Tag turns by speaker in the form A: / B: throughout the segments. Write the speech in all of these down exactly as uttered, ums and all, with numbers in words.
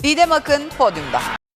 A: Didem Akın podyumda.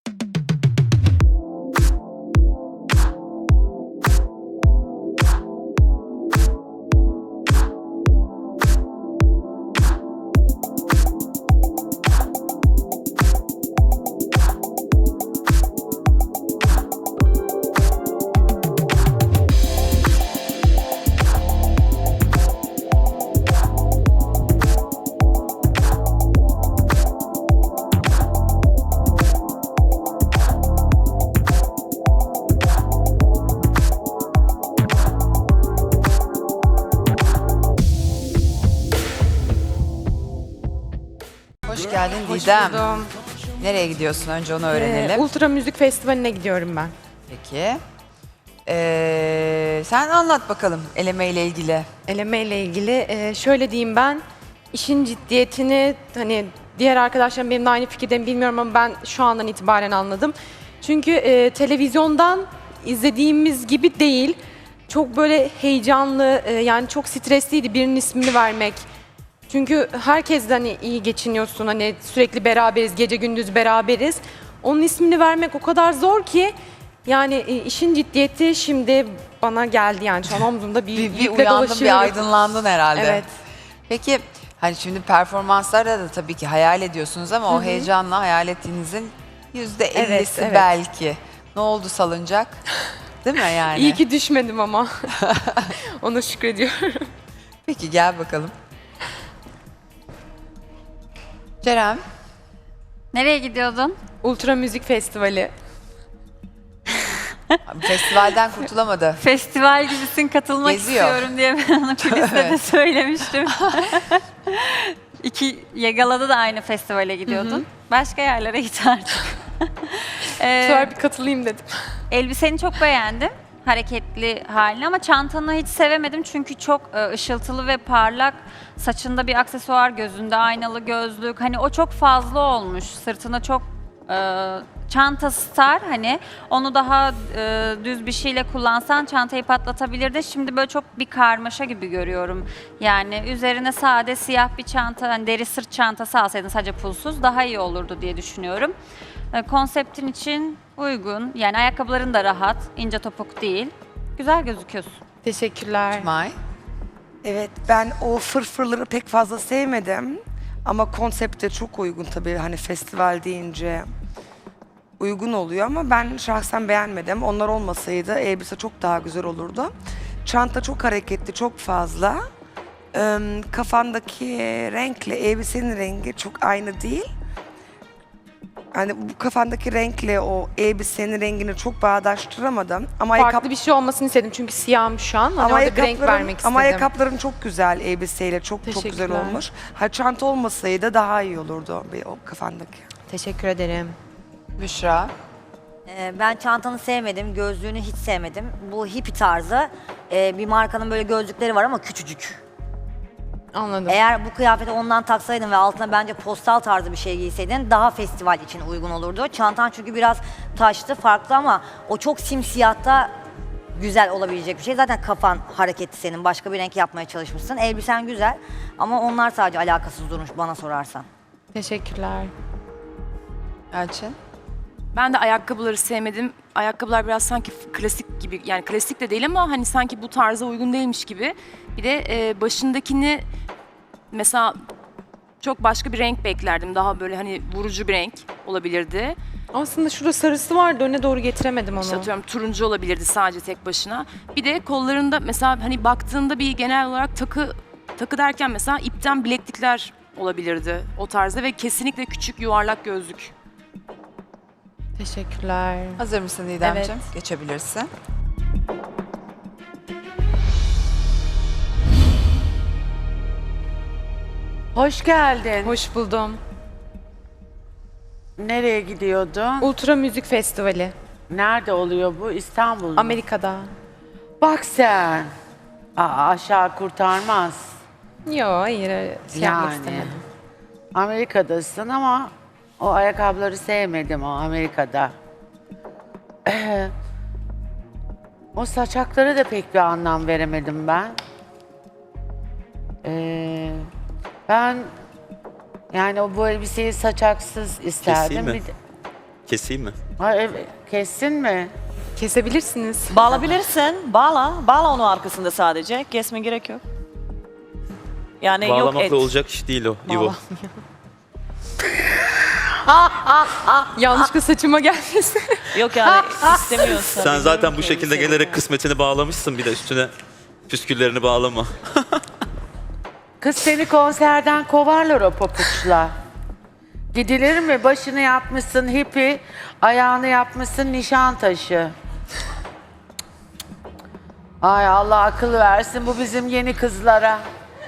A: Hoş geldin Didem.
B: buldum.
A: Nereye gidiyorsun? Önce onu
B: Ee,
A: öğrenelim.
B: Ultra Müzik Festivali'ne gidiyorum ben.
A: Peki. Ee, sen anlat bakalım eleme ile ilgili.
B: Eleme ile ilgili e, şöyle diyeyim, ben işin ciddiyetini, hani diğer arkadaşlarım benimle aynı fikirde mi bilmiyorum ama ben şu andan itibaren anladım. Çünkü e, televizyondan izlediğimiz gibi değil. Çok böyle heyecanlı, e, yani çok stresliydi birinin ismini vermek. Çünkü herkes de hani iyi geçiniyorsun, hani sürekli beraberiz, gece gündüz beraberiz. Onun ismini vermek o kadar zor ki, yani e, işin ciddiyeti şimdi bana geldi, yani şu an omzumda bir,
A: Bir, bir
B: yükle
A: uyandın, bir
B: dolaşıyorum.
A: aydınlandın herhalde.
B: Evet.
A: Peki hani şimdi performanslarda da tabii ki hayal ediyorsunuz ama o heyecanla hayal ettiğinizin yüzde ellisi
B: Evet, evet.
A: belki. Ne oldu salıncak? Değil mi yani?
B: İyi ki düşmedim ama. Ona şükrediyorum.
A: Peki gel bakalım. Ceren.
C: Nereye gidiyordun?
B: Ultra Müzik Festivali.
A: Festivalden kurtulamadı.
C: Festival gibisin, katılmak
A: Geziyor.
C: istiyorum diye ben ona kuliste de
A: Evet.
C: söylemiştim. İki Yagala'da da aynı festivale gidiyordun. Başka yerlere git artık.
B: Bu
C: Ee,
B: sefer bir katılayım dedim.
C: elbiseni çok beğendim. Hareketli halini ama çantanı hiç sevemedim çünkü çok e, ışıltılı ve parlak. Saçında bir aksesuar, gözünde aynalı gözlük. Hani o çok fazla olmuş. Sırtına çok e, çanta star, hani onu daha e, düz bir şeyle kullansan çantayı patlatabilirdin. Şimdi böyle çok bir karmaşa gibi görüyorum. Yani üzerine sade siyah bir çanta, hani deri sırt çantası alsaydın sadece pulsuz daha iyi olurdu diye düşünüyorum. E, konseptin için uygun. Yani ayakkabıların da rahat, ince topuk değil. Güzel gözüküyorsun.
B: Teşekkürler.
A: May.
D: Evet, ben o fırfırları pek fazla sevmedim. Ama konsepte çok uygun tabii, hani festival deyince uygun oluyor ama ben şahsen beğenmedim. Onlar olmasaydı elbise çok daha güzel olurdu. Çanta çok hareketli, çok fazla. Ee, kafandaki renkle elbisenin rengi çok aynı değil. Hani bu kafandaki renkle o elbisenin rengini çok bağdaştıramadım. Ama
B: Farklı bir şey olmasını istedim çünkü siyahım şu an. Hani
D: ama
B: orada bir renk
D: ayakkabıların-
B: vermek istedim.
D: Ama ayakkabıların çok güzel elbiseyle, çok çok güzel
B: Teşekkürler.
D: olmuş. Ha, çanta olmasaydı daha iyi olurdu bir o kafandaki.
B: Teşekkür ederim.
A: Büşra.
E: Ee, Ben çantanı sevmedim, gözlüğünü hiç sevmedim. Bu hippie tarzı e, bir markanın böyle gözlükleri var ama küçücük.
B: Anladım.
E: Eğer bu kıyafeti ondan taksaydın ve altına bence postal tarzı bir şey giyseydin daha festival için uygun olurdu. Çantan çünkü biraz taşlı, farklı ama o çok simsiyahta güzel olabilecek bir şey. Zaten kafan hareketli senin, başka bir renk yapmaya çalışmışsın. Elbisen güzel ama onlar sadece alakasız durmuş bana sorarsan.
B: Teşekkürler.
A: Elçin.
F: Ben de ayakkabıları sevmedim. Ayakkabılar biraz sanki klasik gibi, yani klasik de değil ama hani sanki bu tarza uygun değilmiş gibi. Bir de e, başındakini mesela çok başka bir renk beklerdim. Daha böyle hani vurucu bir renk olabilirdi.
B: Aslında şurada sarısı vardı, öne doğru getiremedim onu.
F: İşte atıyorum turuncu olabilirdi sadece tek başına. Bir de kollarında mesela hani baktığında bir genel olarak takı takı derken mesela ipten bileklikler olabilirdi o tarzda ve kesinlikle küçük yuvarlak gözlük.
B: Teşekkürler.
A: Hazır mısın Didemciğim?
B: Evet.
A: Geçebilirsin.
G: Hoş geldin.
B: Hoş buldum.
G: Nereye gidiyordun?
B: Ultra Müzik Festivali.
G: Nerede oluyor bu? İstanbul mu?
B: Amerika'da.
G: Bak sen. Aa, aşağı kurtarmaz.
B: Yo, hayır, öyle şey yapmak
G: Yani.
B: istemedim.
G: Amerika'dasın ama o ayakkabıları sevmedim o Amerika'da. O saçaklara da pek bir anlam veremedim ben. Ee, ben Yani o bu elbiseyi saçaksız isterdim.
H: Keseyim mi?
G: Bir de-
H: Keseyim mi?
G: Ha, evet. Kessin mi?
B: Kesebilirsiniz.
I: Bağlayabilirsin. Bağla. Bağla onu arkasında sadece. Kesme gerek yok. Yani yok et.
H: Bağlamakla olacak iş değil o. İvo.
B: Yanlışlıkla saçıma gelmesin.
I: Yok yani istemiyorsan.
H: Sen zaten bu
I: Bilmiyorum ki
H: şekilde
I: elbiseyi.
H: gelerek kısmetini bağlamışsın, bir de üstüne püsküllerini bağlama.
G: Kız seni konserden kovarlar o papuçla. Gidilir mi? Başını yapmışsın hippie, ayağını yapmışsın Nişantaşı. Ay Allah akıl versin bu bizim yeni kızlara.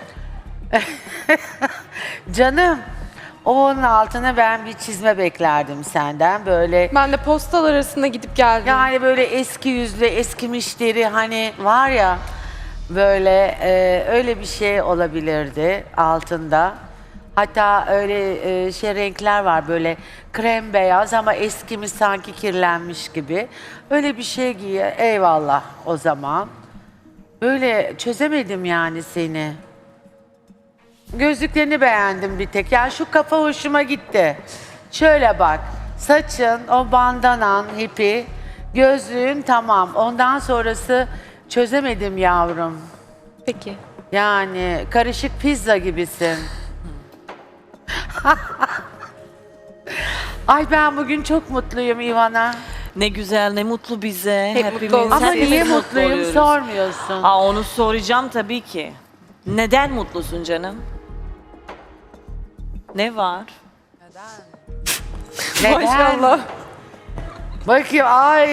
G: Canım, onun altına ben bir çizme beklerdim senden. Böyle
B: Ben de postal arasında gidip geldim.
G: yani böyle eski yüzlü, eskimiş deri hani var ya böyle e, öyle bir şey olabilirdi altında. Hatta öyle e, şey renkler var böyle krem beyaz ama eskimiş sanki kirlenmiş gibi. Öyle bir şey giy. Eyvallah o zaman. Böyle çözemedim yani seni. Gözlüklerini beğendim bir tek. Yani şu kafa hoşuma gitti. Şöyle bak. Saçın, o bandanan, hippie, gözlüğün tamam. Ondan sonrası çözemedim yavrum.
B: Peki.
G: Yani karışık pizza gibisin. Ay ben bugün çok mutluyum Ivana.
I: Ne güzel, ne mutlu bize.
B: Hep
I: Hepimiz,
B: mutlu olun.
G: Ama
I: hepimiz
G: niye
I: mutlu
G: mutluyum
I: oluyoruz.
G: sormuyorsun.
I: Aa, onu soracağım tabii ki. Neden mutlusun canım? Ne var?
G: Neden?
B: Maşallah.
G: Bakayım ay.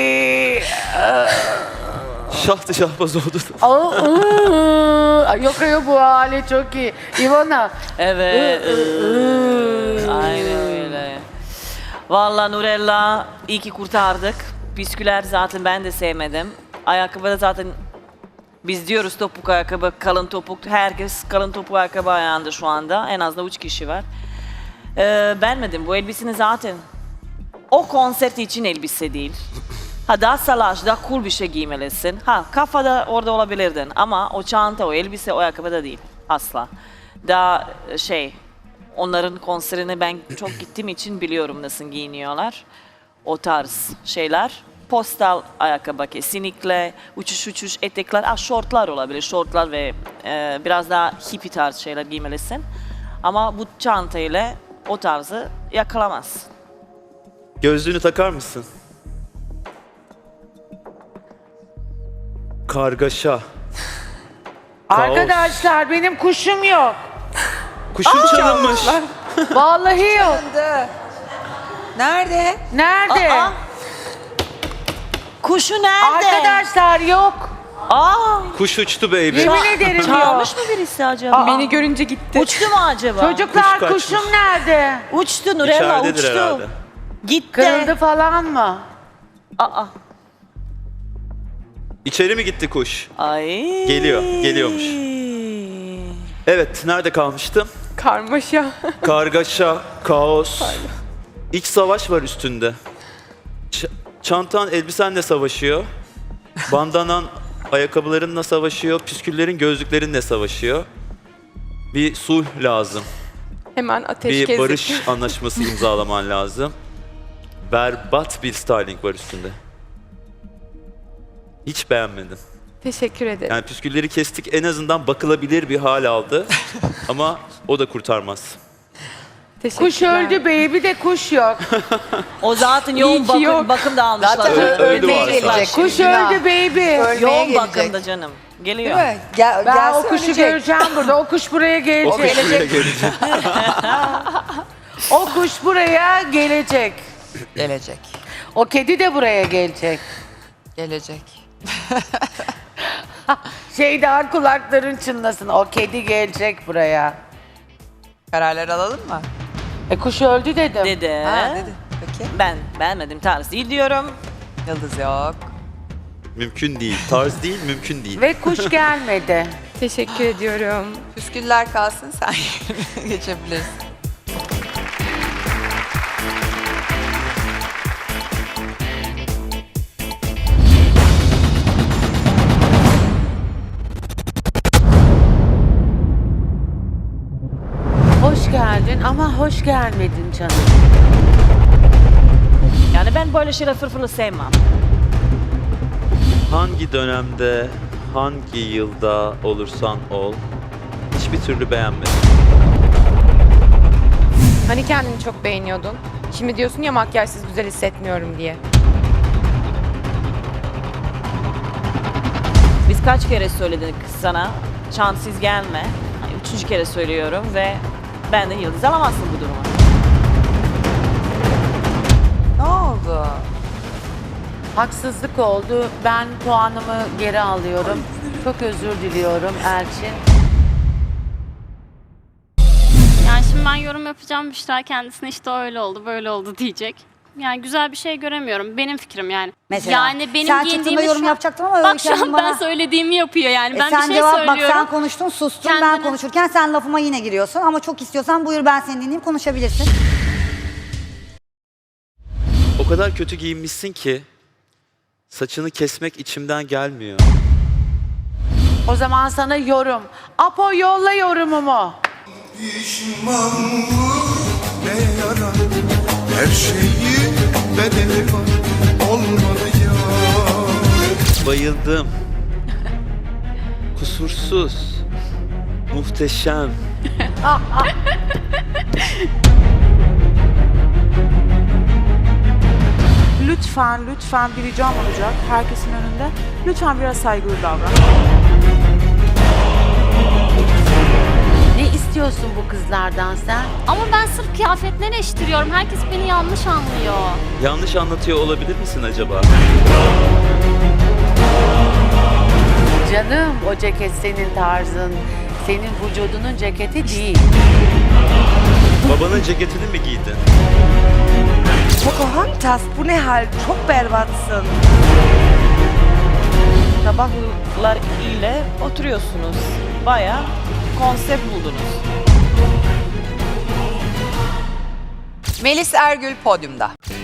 H: Şahtı şahbaz oldu.
G: Aa, ıı. Ay, yok yok bu hali çok iyi. Ivana.
I: Evet. Aynen öyle. Vallahi Nurella iyi ki kurtardık. Bisküler zaten ben de sevmedim. Ayakkabı da zaten biz diyoruz topuk ayakkabı, kalın topuk. Herkes kalın topuk ayakkabı ayağında şu anda. En az da üç kişi var. Ee, beğenmedim. Bu elbiseni zaten o konser için elbise değil. Ha daha salaş, daha cool bir şey giymelisin. Ha kafada orada olabilirdin ama o çanta, o elbise, o ayakkabı da değil. Asla. Daha şey, onların konserine ben çok gittiğim için biliyorum nasıl giyiniyorlar. O tarz şeyler. Postal ayakkabı kesinlikle. Uçuş uçuş etekler, ah şortlar olabilir. Şortlar ve e, biraz daha hippie tarz şeyler giymelisin. Ama bu çantayla o tarzı yakalamazsın.
H: Gözlüğünü takar mısın? Kargaşa.
G: Arkadaşlar benim kuşum yok.
H: Kuşun çalınmış.
G: Vallahi yok.
A: Nerede?
G: Nerede?
I: Aa! Kuşu nerede?
G: Arkadaşlar yok.
I: Aa!
H: Kuş uçtu baby.
G: Yemin ederim yok.
I: Çalmış mı birisi acaba?
B: Beni görünce gitti.
I: Uçtu mu acaba?
G: Çocuklar
H: Kuş kaçmış.
G: kuşum nerede?
I: Uçtu Nurella,
H: İçeridedir
I: uçtu.
H: herhalde.
I: Gitti.
G: Kırıldı falan mı?
I: Aa.
H: İçeri mi gitti kuş?
I: Ay.
H: Geliyor, geliyormuş. Evet, nerede kalmıştım?
B: Karmaşa.
H: Kargaşa, kaos. İç savaş var üstünde. Ç- çantan elbisenle savaşıyor. Bandanan ayakkabılarınla savaşıyor. Püsküllerin gözlüklerinle savaşıyor. Bir sulh lazım.
B: Hemen ateşkes.
H: Bir barış anlaşması imzalaman lazım. Berbat bir styling var üstünde. Hiç beğenmedim.
B: Teşekkür ederim.
H: Yani püskülleri kestik, en azından bakılabilir bir hal aldı. Ama o da kurtarmaz.
B: Teşekkürler.
G: Kuş öldü baby de kuş yok.
I: O zaten
B: İyi
I: yoğun
B: ki
I: bakım,
B: yok.
I: bakımda almışlar.
A: Zaten
H: Ö- öldü
A: ölmeye
H: varsa.
A: gelecek.
G: Kuş
A: Günah.
G: öldü baby.
A: Ölmeye
I: Yoğun
A: gelecek.
I: bakımda canım. Geliyor.
A: Değil mi? Gel,
G: Ben
A: gelse
G: o kuşu
A: ölecek.
G: göreceğim burada. O kuş buraya
H: O
G: gelecek.
H: kuş buraya gelecek.
G: O kuş buraya gelecek.
A: Gelecek.
G: O kedi de buraya gelecek.
A: Gelecek.
G: Şeyden kulakların çınlasın. O kedi gelecek buraya.
A: Kararlar alalım mı?
G: E kuş öldü dedim.
I: Dedi.
A: Ha dedi. Peki.
I: Ben beğenmedim tarz değil diyorum.
A: Yıldız yok.
H: Mümkün değil. Tarz değil, mümkün değil.
G: Ve kuş gelmedi.
B: Teşekkür ediyorum.
A: Püsküller kalsın, sen geçebilirsin.
G: Hoş geldin ama hoş gelmedin canım.
I: Yani ben böyle şeyler fırfırlı sevmem.
H: Hangi dönemde, hangi yılda olursan ol, hiçbir türlü beğenmedim.
B: Hani kendini çok beğeniyordun. Şimdi diyorsun ya makyajsız güzel hissetmiyorum diye.
I: Biz kaç kere söyledik sana, şanssız gelme. Hani üçüncü kere söylüyorum ve benden yıldız alamazsın bu duruma.
A: Ne oldu?
G: Haksızlık oldu. Ben puanımı geri alıyorum. Çok özür diliyorum Elçin.
J: Yani şimdi ben yorum yapacağım, Büşra kendisine işte öyle oldu, böyle oldu diyecek. Yani güzel bir şey göremiyorum. Benim fikrim yani.
E: Mesela
J: yani benim
E: sen
J: giyindiğimi
E: çıktığında yorum
J: şu an-
E: yapacaktım ama
J: Bak
E: Öykü
J: şu an
E: Hanım
J: ben
E: bana-
J: söylediğimi yapıyor yani.
E: E
J: Ben
E: sen
J: bir şey
E: cevap
J: söylüyorum.
E: bak sen konuştun sustun ben
J: Kendine-
E: konuşurken sen lafıma yine giriyorsun ama çok istiyorsan buyur ben seni dinleyeyim konuşabilirsin.
H: O kadar kötü giyinmişsin ki saçını kesmek içimden gelmiyor.
G: O zaman sana yorum. Apo yolla yorumumu.
K: Pişmanlık ne yarar, her şeyin bedeli var, olmadı ya.
H: Bayıldım. Kusursuz. Muhteşem.
L: Lütfen, lütfen bir ricam olacak herkesin önünde. Lütfen biraz saygılı davran.
G: Ne istiyorsun bu kızlardan sen?
J: Ama ben sırf kıyafetleri eleştiriyorum. Herkes beni yanlış anlıyor.
H: Yanlış anlatıyor olabilir misin acaba?
G: Canım o ceket senin tarzın. Senin vücudunun ceketi değil.
H: Babanın ceketini mi giydin?
D: Pocahontas bu ne hal? Çok berbatsın.
I: Sabahlar ile oturuyorsunuz. Baya konsept buldunuz.
A: Melis Ergül podyumda.